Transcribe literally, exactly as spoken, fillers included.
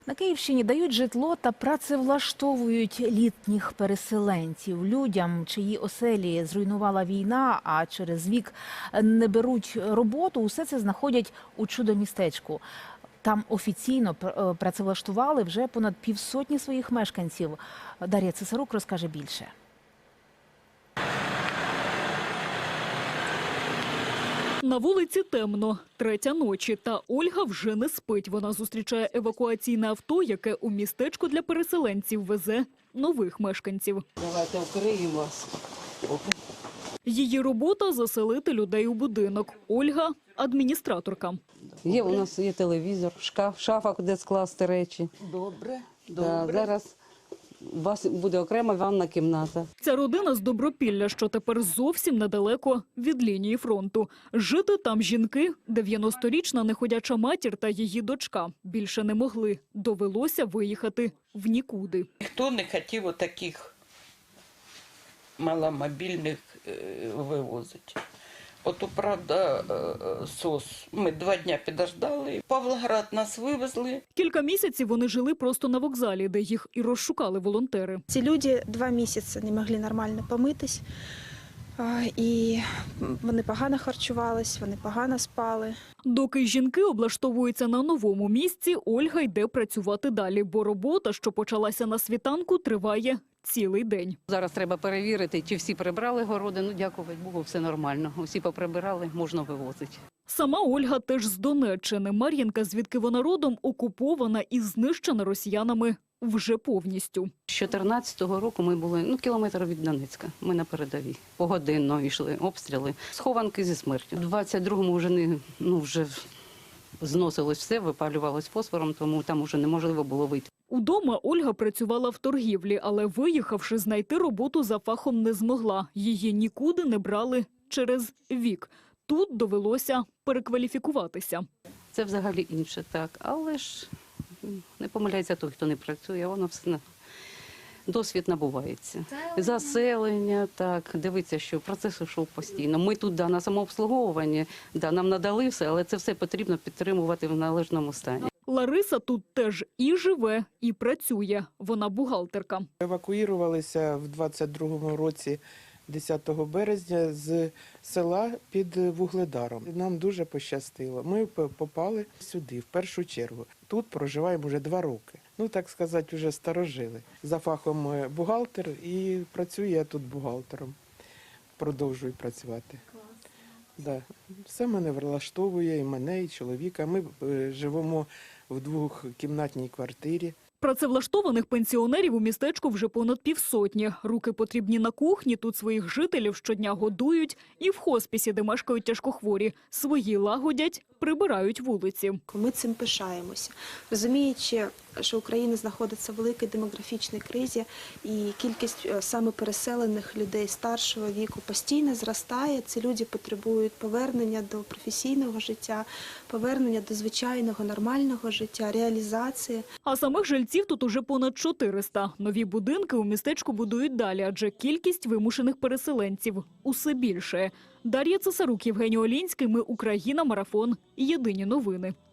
На Київщині дають житло та працевлаштовують літніх переселенців. Людям, чиї оселі зруйнувала війна, а через вік не беруть роботу, усе це знаходять у чудо-містечку. Там офіційно працевлаштували вже понад півсотні своїх мешканців. Дар'я Цесарук розкаже більше. На вулиці темно, третя ночі, та Ольга вже не спить. Вона зустрічає евакуаційне авто, яке у містечко для переселенців везе нових мешканців. Давайте вкриємо вас. Її робота – заселити людей у будинок. Ольга – адміністраторка. Є, у нас є телевізор, шкаф, шафа, де скласти речі. Добре, Да, добре. зараз у вас буде окрема ванна кімната. Ця родина з Добропілля, що тепер зовсім недалеко від лінії фронту. Жити там жінки, дев'яносторічна неходяча матір та її дочка. Більше не могли. Довелося виїхати в нікуди. Ніхто не хотів отаких маломобільних е, вивозити. Ото, правда, е, СОС. Ми два дні підождали. В Павлоград нас вивезли. Кілька місяців вони жили просто на вокзалі, де їх і розшукали волонтери. Ці люди два місяці не могли нормально помитись, а, і вони погано харчувались, вони погано спали. Доки жінки облаштовуються на новому місці, Ольга йде працювати далі, бо робота, що почалася на світанку, триває цілий день. Зараз треба перевірити, чи всі прибрали городи. Ну, дякувати Богу, все нормально. Усі поприбирали, можна вивозити. Сама Ольга теж з Донеччини. Мар'їнка, звідки вона родом, окупована і знищена росіянами вже повністю. З чотирнадцятого року ми були ну, кілометр від Донецька. Ми на передовій. Погодинно йшли обстріли. Схованки зі смертю. У двадцять другому вже, не, ну, вже зносилось все, випалювалось фосфором, тому там вже неможливо було вийти. Удома Ольга працювала в торгівлі, але виїхавши, знайти роботу за фахом не змогла. Її нікуди не брали через вік. Тут довелося перекваліфікуватися. Це взагалі інше, так. Але ж не помиляється той, хто не працює, воно все досвід набувається. Заселення, так, дивиться, що процес йшов постійно. Ми тут, да, на самообслуговуванні, да, нам надали все, але це все потрібно підтримувати в належному стані. Лариса тут теж і живе, і працює. Вона бухгалтерка. Евакуювалися в двадцять другому році десятого березня з села під Вугледаром. Нам дуже пощастило. Ми попали сюди, в першу чергу. Тут проживаємо вже два роки. Ну, так сказати, вже старожили. За фахом бухгалтер і працюю я тут бухгалтером. Продовжую працювати. Да. Все мене влаштовує, і мене, і чоловіка. Ми живемо в двохкімнатній квартирі. Працевлаштованих пенсіонерів у містечку вже понад півсотні. Руки потрібні на кухні, тут своїх жителів щодня годують. І в хоспісі, де мешкають тяжкохворі, свої лагодять, прибирають вулиці. Ми цим пишаємося. Розуміючи, що Україна знаходиться в великій демографічній кризі, і кількість саме переселених людей старшого віку постійно зростає. Ці люди потребують повернення до професійного життя, повернення до звичайного нормального життя, реалізації. А самих жильців тут уже понад чотириста. Нові будинки у містечку будують далі, адже кількість вимушених переселенців усе більше. Дар'я Цесарук, Євгеній Олінський. Ми Україна. Марафон. Єдині новини.